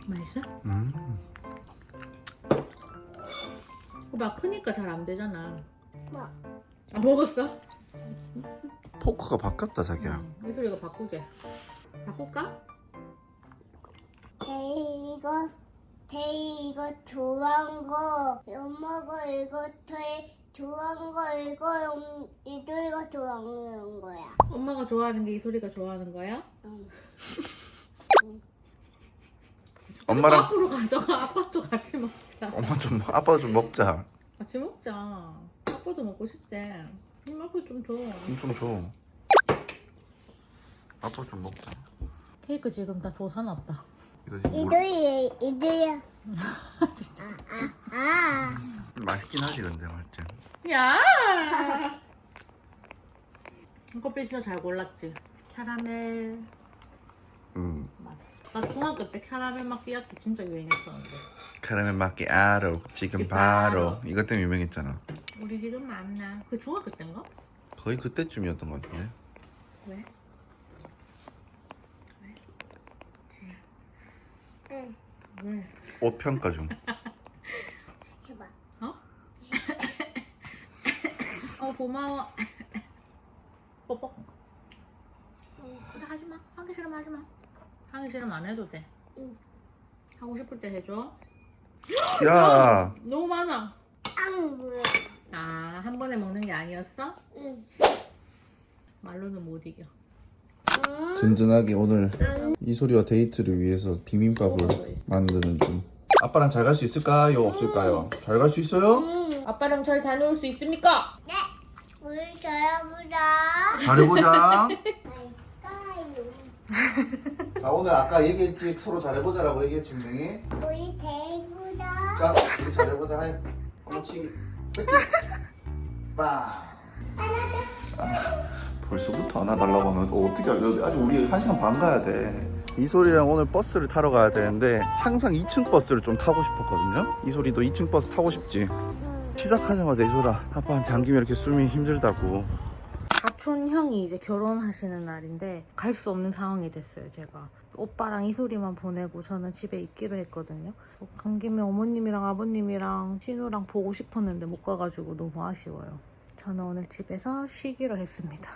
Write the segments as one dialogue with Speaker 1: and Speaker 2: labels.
Speaker 1: 맛있어? 오빠 크니까 잘 안 되잖아.
Speaker 2: 뭐?
Speaker 1: 아 먹었어?
Speaker 3: 포크가 바뀌었다 자기야.
Speaker 1: 이 소리가 바꾸게. 바꿀까?
Speaker 2: 데이 이거 좋아한 거, 엄마가 이거 제일 좋아한 거 이거 이들이가 좋아하는 거야.
Speaker 1: 엄마가 좋아하는 게 이 소리가 좋아하는 거야?
Speaker 2: 응.
Speaker 3: 엄마랑
Speaker 1: 앞으로 가져가. 아빠도 같이 먹자.
Speaker 3: 엄마 좀 아빠 좀 먹자.
Speaker 1: 같이 먹자. 아빠도 먹고 싶대. 아빠 좀 줘.
Speaker 3: 좀 줘. 아빠 좀 먹자.
Speaker 1: 케이크 지금 다 조사놨다.
Speaker 3: 이거 지금 물...
Speaker 2: 이들이야.
Speaker 3: 맛있긴 하지 근데 맞지?
Speaker 1: 야! 커피 진짜 잘 골랐지? 캐러멜 맛. 나 중학교 때 캐러멜 마끼아토 진짜 유행했었는데.
Speaker 3: 카라멜 마끼아토 지금 바로 이것 때문에 유명했잖아.
Speaker 1: 우리 지금 만나. 그 중학교 때인가?
Speaker 3: 거의 그때쯤이었던 것 같은데.
Speaker 1: 왜?
Speaker 2: 응.
Speaker 1: 왜?
Speaker 3: 옷 평가 중.
Speaker 2: 해봐.
Speaker 1: 어? 고마워. 뽀뽀. 그래 하지마. 하기 싫으면 하지마. 하기 싫으면 안 해도 돼.
Speaker 2: 응.
Speaker 1: 하고 싶을 때 해줘.
Speaker 3: 야,
Speaker 1: 너무 많아.
Speaker 2: 뭐야?
Speaker 1: 아, 한 번에 먹는 게 아니었어?
Speaker 2: 응.
Speaker 1: 말로는 못 이겨.
Speaker 3: 든든하게 오늘 이소리와 데이트를 위해서 비빔밥을 만드는 중. 아빠랑 잘 갈 수 있을까요? 없을까요? 잘 갈 수 있어요?
Speaker 1: 아빠랑 잘 다녀올 수 있습니까?
Speaker 2: 네. 우리 저야보다.
Speaker 3: 잘해보자.
Speaker 2: 갈까요?
Speaker 3: 자, 오늘 아까 얘기했지 서로 잘해보자라고 얘기했지 분명히.
Speaker 2: 우리 데이보다.
Speaker 3: 자, 우리 잘해보자. 해. 한번 치기. 빵. 벌써부터 안아달라고 하면 어떻게 알려? 아직 우리 1시간 반 가야 돼. 이소리랑 오늘 버스를 타러 가야 되는데 항상 2층 버스를 좀 타고 싶었거든요. 이소리도 2층 버스 타고 싶지. 시작하자마자 이소라 아빠한테 안기면 이렇게 숨이 힘들다고.
Speaker 1: 사촌 형이 이제 결혼하시는 날인데 갈 수 없는 상황이 됐어요. 제가 오빠랑 이소리만 보내고 저는 집에 있기로 했거든요. 간 김에 어머님이랑 아버님이랑 신우랑 보고 싶었는데 못 가가지고 너무 아쉬워요. 저는 오늘 집에서 쉬기로 했습니다.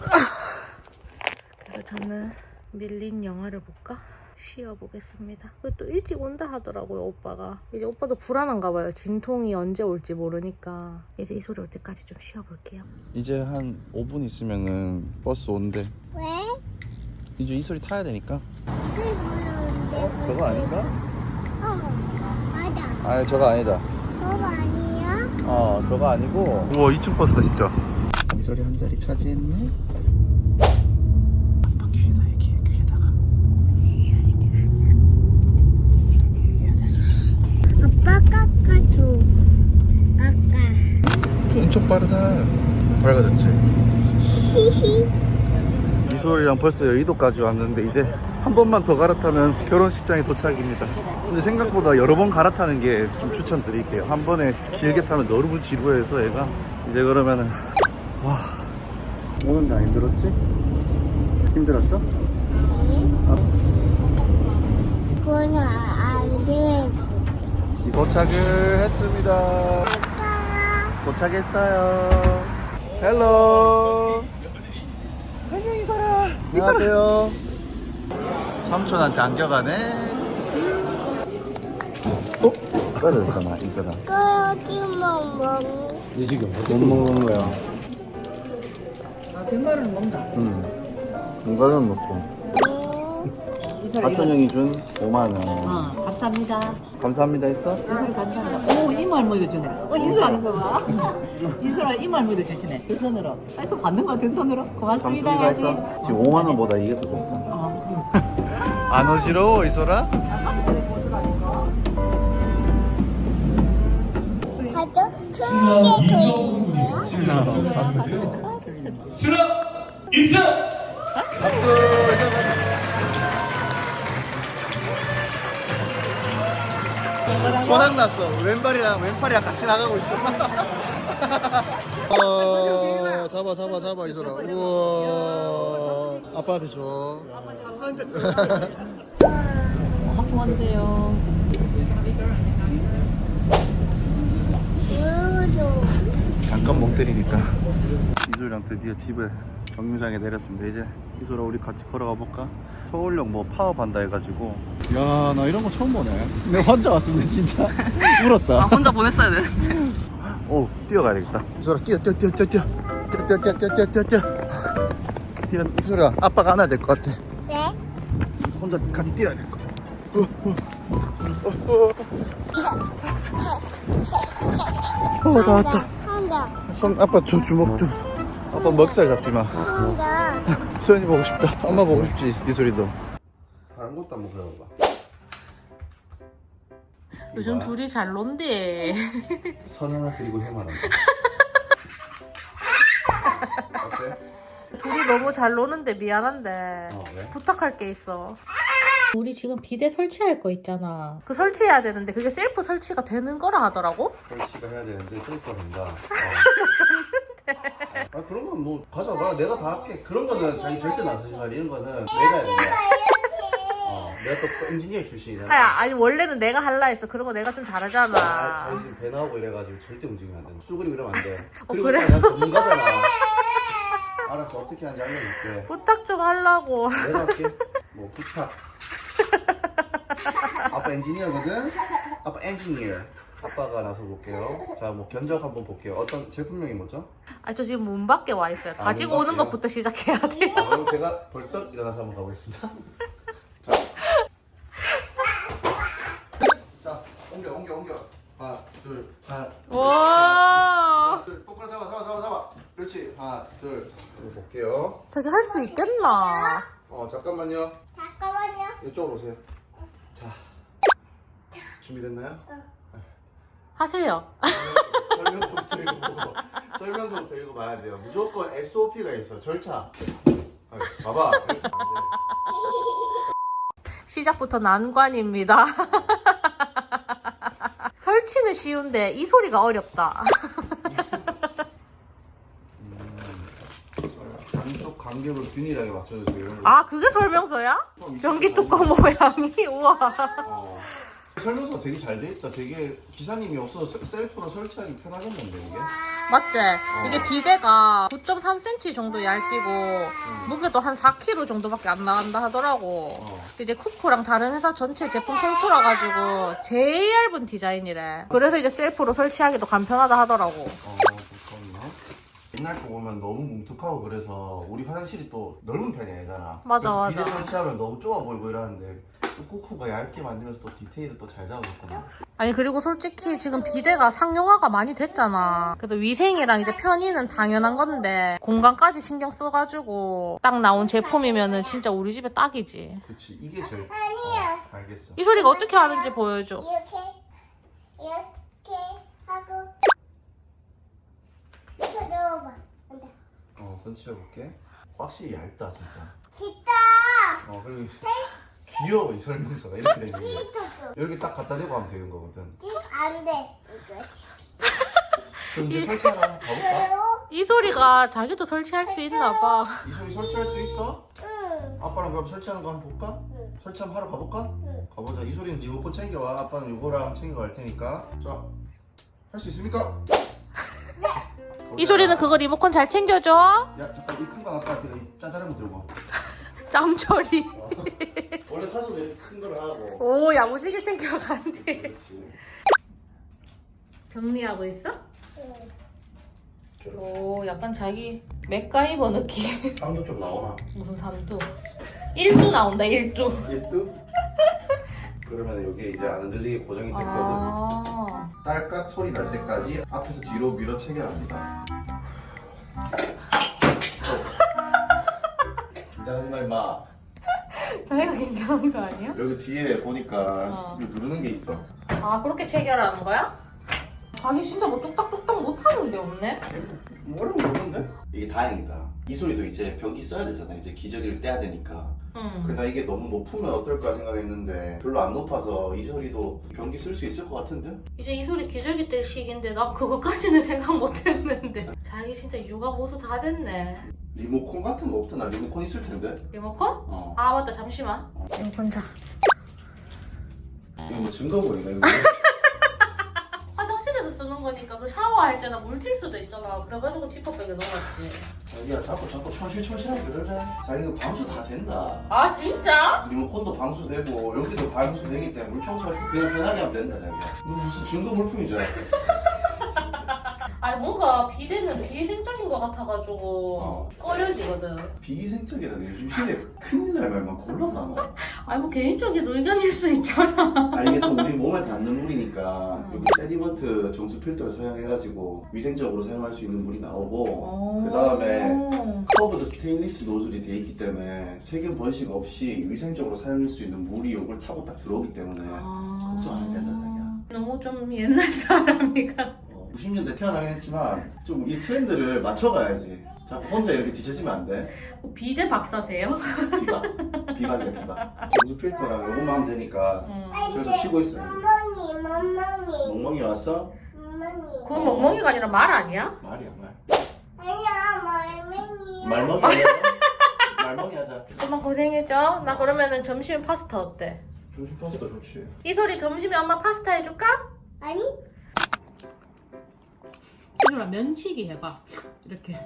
Speaker 1: 그래서 저는 밀린 영화를 볼까? 쉬어보겠습니다. 또 일찍 온다 하더라고요, 오빠가. 이제 오빠도 불안한가 봐요. 진통이 언제 올지 모르니까 이제 이 소리 올 때까지 좀 쉬어볼게요.
Speaker 3: 이제 한 5분 있으면은 버스 온대.
Speaker 2: 왜?
Speaker 3: 이제 이소리 타야 되니까.
Speaker 2: 이게 뭐였는데?
Speaker 3: 저거 아닌가?
Speaker 2: 맞아.
Speaker 3: 아니 저거 아니다.
Speaker 2: 저거 아니야?
Speaker 3: 저거 아니고. 우와 2층 버스다 진짜. 이소리 한 자리 차지했네. 아빠 귀에다 얘기해. 귀에다가.
Speaker 2: 아빠 깎아줘. 깎아.
Speaker 3: 엄청 빠르다. 밝아졌지?
Speaker 2: 히히.
Speaker 3: 이소리랑 벌써 여의도까지 왔는데 이제 한 번만 더 갈아타면 결혼식장에 도착입니다. 근데 생각보다 여러 번 갈아타는 게 좀 추천드릴게요. 한 번에 길게 타면 너무 지루해서 얘가 이제 그러면은 와 오는데 안 힘들었지? 힘들었어?
Speaker 2: 그건 안 돼.
Speaker 3: 도착을 했습니다. 도착했어요. 헬로. 안녕 이소라. 안녕하세요. 삼촌한테 안겨가네. 떨어졌잖아 이소라.
Speaker 2: 거기만 먹는.
Speaker 3: 이 지금 못 먹는 거야.
Speaker 1: 아, 뒷말은 먹자.
Speaker 3: 건강은 먹고. 사촌 형이 준 5만 원.
Speaker 1: 감사합니다.
Speaker 3: 감사합니다 했어?
Speaker 1: 이소리 감사합니다. 오, 이말 먹여주네. 인사하는 거 봐. 인사라 이말 먹여주시네. 두 손으로. 아이고, 받는 거 두 손으로. 고맙습니다.
Speaker 3: 감사합니다
Speaker 1: 해야지.
Speaker 3: 했어? 지금 5만 원보다 이게 더 좋다. 안 어지러워 이소라?
Speaker 2: 가족 크게 보는 거야?
Speaker 4: 수락 입장!
Speaker 3: 박수. 고장났어. 왼팔이랑 같이 나가고 있어. 잡아 이소라. 우와. 아빠한테 줘.
Speaker 1: 원데요.
Speaker 3: 잠깐 멍 때리니까 이소리랑 드디어 집에 정류장에 내렸습니다. 이제 이소라 우리 같이 걸어가 볼까? 서울역 뭐 파업한다 해가지고. 야, 나 이런 거 처음 보네. 내가 혼자 왔으면 진짜 울었다.
Speaker 1: 혼자 보냈어야 되는데.
Speaker 3: 오, 뛰어가야 되겠다. 이소라 뛰어. 이소라 아빠가 안아야 될 것 같아.
Speaker 2: 네?
Speaker 3: 혼자 같이 뛰어야 될 것 같아. 다 왔다.
Speaker 2: 한다.
Speaker 3: 손 아빠 주먹 좀. 아빠 먹살 잡지 마.
Speaker 2: 한다.
Speaker 3: 수현이 보고 싶다. 엄마 보고 싶지. 이 소리도. 다른 것도 한번 배워봐.
Speaker 1: 요즘 둘이 잘 논대.
Speaker 3: 선 하나 그리고 해만 한다. 어때?
Speaker 1: 둘이 너무 잘 노는데 미안한데
Speaker 3: 왜?
Speaker 1: 부탁할 게 있어. 우리 지금 비대 설치할 거 있잖아. 그 설치해야 되는데 그게 셀프 설치가 되는 거라 하더라고.
Speaker 3: 설치가 해야 되는데 셀프가 된다. 아 그런 건 뭐 가져가. 내가 다 할게. 그런 거는 자기 절대 나서지 말. 이런 거는 내가 해야 된다. 내가 또 엔지니어 출신이라.
Speaker 1: 아니 원래는 내가 할라 했어. 그런 거 내가 좀 잘하잖아.
Speaker 3: 자기 지금 배 나오고 이래가지고 절대 움직이면 안 돼. 쑥그리고 이러면 안 돼. 그리고
Speaker 1: 그래?
Speaker 3: 난 전문가잖아. 알았어. 어떻게 하는지 알려줄게.
Speaker 1: 부탁 좀 하려고.
Speaker 3: 내가 할게. 뭐 부탁. 아빠 엔지니어거든. 아빠 엔지니어. 아빠가 나서 볼게요. 자, 뭐 견적 한번 볼게요. 어떤 제품명이 뭐죠?
Speaker 1: 저 지금 문 밖에 와 있어요. 가지고
Speaker 3: 문
Speaker 1: 오는
Speaker 3: 밖에요?
Speaker 1: 것부터 시작해야 돼.
Speaker 3: 그럼 제가 벌떡 일어나서 한번 가보겠습니다. 자, 옮겨. 하나, 둘, 하나,
Speaker 1: 와.
Speaker 3: 둘. 똑바로 잡아. 그렇지. 하나, 둘. 볼게요.
Speaker 1: 자기 할 수 있겠나?
Speaker 3: 잠깐만요.
Speaker 2: 잠깐만요.
Speaker 3: 이쪽으로 오세요. 자, 준비됐나요?
Speaker 1: 하세요.
Speaker 3: 설명서부터 읽어봐야 돼요. 무조건 SOP가 있어. 절차. 봐봐. 이렇게 안 돼.
Speaker 1: 시작부터 난관입니다. 설치는 쉬운데 이 소리가 어렵다.
Speaker 3: 안쪽 간격을 균일하게 맞춰주세요. 이런 거.
Speaker 1: 아, 그게 설명서야? 변기 뚜껑 모양이? 우와.
Speaker 3: 설명서 되게 잘 돼 있다. 되게 기사님이 없어서 셀프로 설치하기 편하겠는데 이게?
Speaker 1: 맞지? 이게 비대가 9.3cm 정도 얇기고 무게도 한 4kg 정도밖에 안 나간다 하더라고. 이제 쿠쿠랑 다른 회사 전체 제품 통틀어 가지고 제일 얇은 디자인이래. 그래서 이제 셀프로 설치하기도 간편하다 하더라고.
Speaker 3: 그렇구나. 옛날 거 보면 너무 뭉툭하고 그래서 우리 화장실이 또 넓은 편이 아니잖아.
Speaker 1: 맞아,
Speaker 3: 그래서
Speaker 1: 맞아.
Speaker 3: 비대 설치하면 너무 좁아 보이고 이러는데 또 쿠쿠가 얇게 만들면서 또 디테일을 또 잘 잡아줬구나.
Speaker 1: 아니 그리고 솔직히 지금 비대가 상용화가 많이 됐잖아. 그래서 위생이랑 이제 편의는 당연한 건데 공간까지 신경 써가지고 딱 나온 제품이면은 진짜 우리 집에 딱이지.
Speaker 3: 그치, 이게 제일.
Speaker 2: 아니야.
Speaker 3: 알겠어.
Speaker 1: 이 소리가 어떻게 하는지 보여줘.
Speaker 2: 이렇게 하고 들어봐. 안돼.
Speaker 3: 선치해볼게. 확실히 얇다 진짜.
Speaker 2: 진짜.
Speaker 3: 그리고 귀여워 이 설명서가 이렇게 되는 거야.
Speaker 2: 진짜.
Speaker 3: 이렇게 딱 갖다 대고 하면 되는 거거든.
Speaker 2: 안돼. 이거.
Speaker 3: 그럼 이제 설치하러 한번 가볼까?
Speaker 1: 이 소리가 자기도 설치할 수 있나 봐.
Speaker 3: 이 소리 설치할 수 있어?
Speaker 2: 응.
Speaker 3: 아빠랑 그럼 설치하는 거 한번 볼까?
Speaker 2: 응.
Speaker 3: 설치 한번 하러 가볼까?
Speaker 2: 응.
Speaker 3: 가보자. 이 소리는 리모컨 챙겨와. 아빠는 이거랑 챙겨갈 테니까. 자, 할 수 있습니까?
Speaker 1: 이 소리는 그거 리모컨 잘 챙겨줘.
Speaker 3: 야, 잠깐 이 큰 거 아빠한테 이 짜잘한 거 들고 와.
Speaker 1: 짬처리.
Speaker 3: 원래 사서 이렇게 큰 거를 하고.
Speaker 1: 오, 야무지게 챙겨간대.
Speaker 3: 그렇지.
Speaker 1: 정리하고 있어?
Speaker 2: 응.
Speaker 1: 오, 약간 자기 맥가이버 느낌.
Speaker 3: 쌍도 좀 나오나?
Speaker 1: 무슨 삼두? 1두 나온다, 1두.
Speaker 3: 1두? 그러면 여기 이제 안 흔들리게 고정이 됐거든.
Speaker 1: 아.
Speaker 3: 딸깍 소리 날 때까지 앞에서 뒤로 밀어 체결합니다. 긴장하지 마 임마.
Speaker 1: 자기가 긴장한 거 아니야?
Speaker 3: 여기 뒤에 보니까 이거 누르는 게 있어.
Speaker 1: 아, 그렇게 체결하는 거야? 자기 진짜 뭐 뚝딱뚝딱 못하는데 없네?
Speaker 3: 뭐라고 모르는데? 이게 다행이다. 이 소리도 이제 변기 써야 되잖아. 이제 기저귀를 떼야 되니까.
Speaker 1: 응.
Speaker 3: 나 이게 너무 높으면 어떨까 생각했는데 별로 안 높아서 이 소리도 변기 쓸 수 있을 것 같은데?
Speaker 1: 이제 이 소리 기저귀 뗄 시기인데 나 그거까지는 생각 못했는데. 자기 진짜 육아 보수 다 됐네.
Speaker 3: 리모컨 같은 거 없더나? 리모컨 있을 텐데?
Speaker 1: 리모컨? 아, 맞다. 잠시만. 리모컨 자.
Speaker 3: 뭐 증거물이네 이거.
Speaker 1: 화장실에서 쓰는 거니까 그 샤워할 때나 물 튈 수도 있잖아. 그래가지고 지퍼백에 넣어놨지.
Speaker 3: 자기야 자꾸 천실천실하게 그러래. 자기 이거 방수 다 된다.
Speaker 1: 아 진짜?
Speaker 3: 리모컨도 방수되고 여기도 방수되기 때문에 물 청소할 때 그냥 편하게 하면 된다 자기야. 너 무슨 증거 물품이잖아.
Speaker 1: 아니 뭔가 비대는 비위생적인 것 같아가지고 꺼려지거든.
Speaker 3: 비위생적이라는 요즘 시대에 큰일 날 말만 골라서 안 와.
Speaker 1: 아니 뭐 개인적인 의견일 수 있잖아.
Speaker 3: 아 이게 또 우리 몸에 닿는 물이니까 여기 세디먼트 정수 필터를 사용해가지고 위생적으로 사용할 수 있는 물이 나오고 그 다음에 커브드 스테인리스 노즐이 돼 있기 때문에 세균 번식 없이 위생적으로 사용할 수 있는 물이 이걸 타고 딱 들어오기 때문에 걱정 안 해도 된다 자기야.
Speaker 1: 너무 좀 옛날 사람이가.
Speaker 3: 90년대 태어나긴 했지만 좀 이 트렌드를 맞춰가야지. 자꾸 혼자 이렇게 뒤처지면 안 돼.
Speaker 1: 비대 박사세요?
Speaker 3: 비박이야 비박. 정수 필터랑 요것만 하면 되니까 저기서 쉬고 있어요.
Speaker 2: 멍멍이.
Speaker 3: 멍멍이 왔어?
Speaker 2: 멍멍이.
Speaker 1: 그건 멍멍이가 아니라 말 아니야?
Speaker 3: 말이야 말.
Speaker 2: 아니야, 말맹이야.
Speaker 3: 말멍이 하자. 말멍이 하자.
Speaker 1: 엄마 고생했죠? 나 그러면은 점심 파스타 어때?
Speaker 3: 점심 파스타 좋지.
Speaker 1: 이소리 점심에 엄마 파스타 해줄까?
Speaker 2: 아니?
Speaker 1: 이소라 면치기 해봐. 이렇게.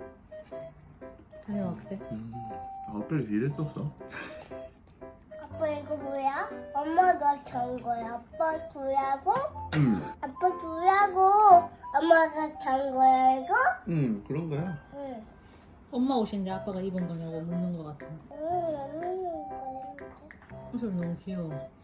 Speaker 1: 자기가 어때?
Speaker 3: 앞에 이랬었어.
Speaker 2: 아빠 이거 뭐야? 엄마가 잔 거야. 아빠 주라고? 아빠 주라고 엄마가 잔 거야 이거?
Speaker 3: 그런 거야.
Speaker 2: 응.
Speaker 1: 엄마 옷인데 아빠가 입은 거냐고 묻는 거 같은데.
Speaker 2: 응,
Speaker 1: 이소리 너무 귀여워.